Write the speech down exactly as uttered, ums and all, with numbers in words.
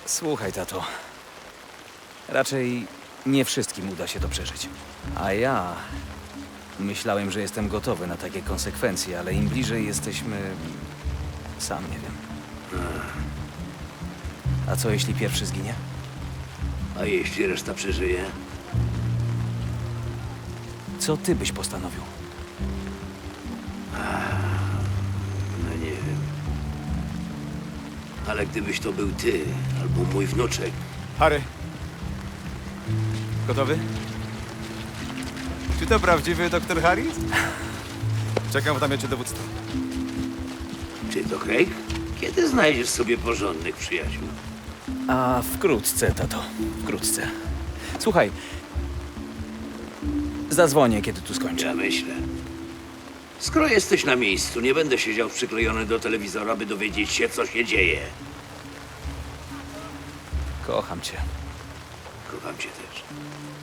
Słuchaj, tato. Raczej nie wszystkim uda się to przeżyć. A ja myślałem, że jestem gotowy na takie konsekwencje, ale im bliżej jesteśmy... Sam nie wiem. A co jeśli pierwszy zginie? A jeśli reszta przeżyje? Co ty byś postanowił? No nie wiem. Ale gdybyś to był ty, albo mój wnuczek, Harry. Gotowy? Czy to prawdziwy doktor Harris? Czekam w namiocie dowództwa. czy to Craig? Kiedy znajdziesz sobie porządnych przyjaciół? A wkrótce, tato. Wkrótce. Słuchaj. Zadzwonię, kiedy tu skończę. Ja myślę. Skoro jesteś na miejscu, nie będę siedział przyklejony do telewizora, by dowiedzieć się, co się dzieje. Kocham cię. Kocham cię też.